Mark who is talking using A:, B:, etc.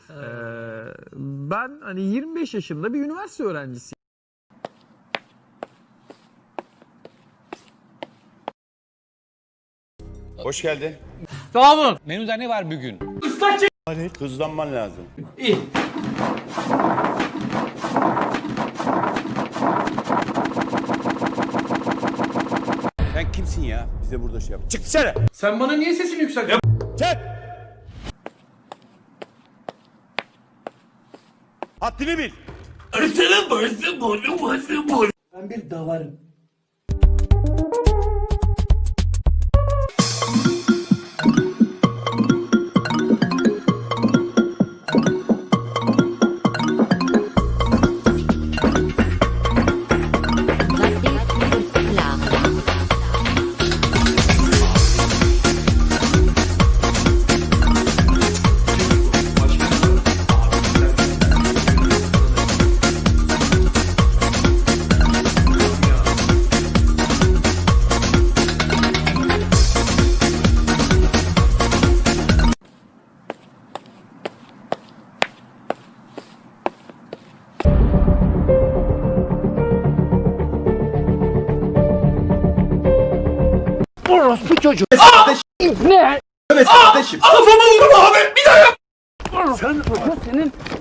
A: Ben hani 25 yaşında bir üniversite öğrencisiyim.
B: Hoş geldin.
C: Sağ olun. Menüde ne var bugün?
B: Hadi hızlanman lazım.
C: İyi.
B: Sen kimsin ya? Biz de burada şey yap. Çık dışarı.
C: Sen bana niye sesini yükseltiyorsun?
B: Çık. Haddini bil.
D: Ben bir davarım.
E: Orospu çocuğu.
D: Evet kardeşim.
C: Kafama vurdum abi. Bir daha yap.
E: Sen senin